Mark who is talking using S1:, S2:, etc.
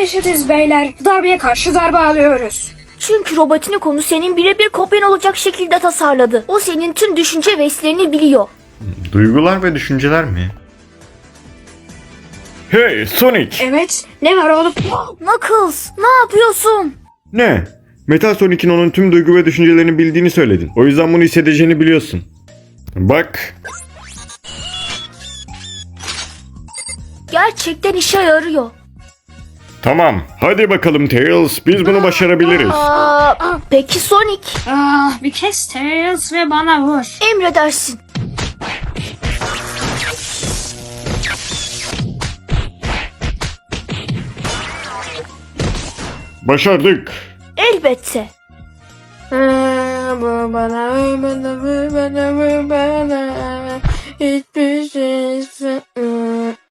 S1: eşitiz beyler. Darbe'ye karşı darbe alıyoruz.
S2: Çünkü Robotnikonu senin birebir kopyan olacak şekilde tasarladı. O senin tüm düşünce ve hislerini biliyor.
S3: Duygular ve düşünceler mi? Hey Sonic!
S1: Evet, ne var oğlum?
S2: Knuckles, ne yapıyorsun?
S3: Ne? Metal Sonic'in onun tüm duygu ve düşüncelerini bildiğini söyledin. O yüzden bunu hissedeceğini biliyorsun. Bak.
S2: Gerçekten işe yarıyor.
S3: Tamam. Hadi bakalım Tails. Biz bunu başarabiliriz.
S2: Peki Sonic?
S1: Bir kes Tails ve bana vur.
S2: Emredersin.
S3: Başardık.
S2: Elbette.
S1: Bu bana hiçbir şey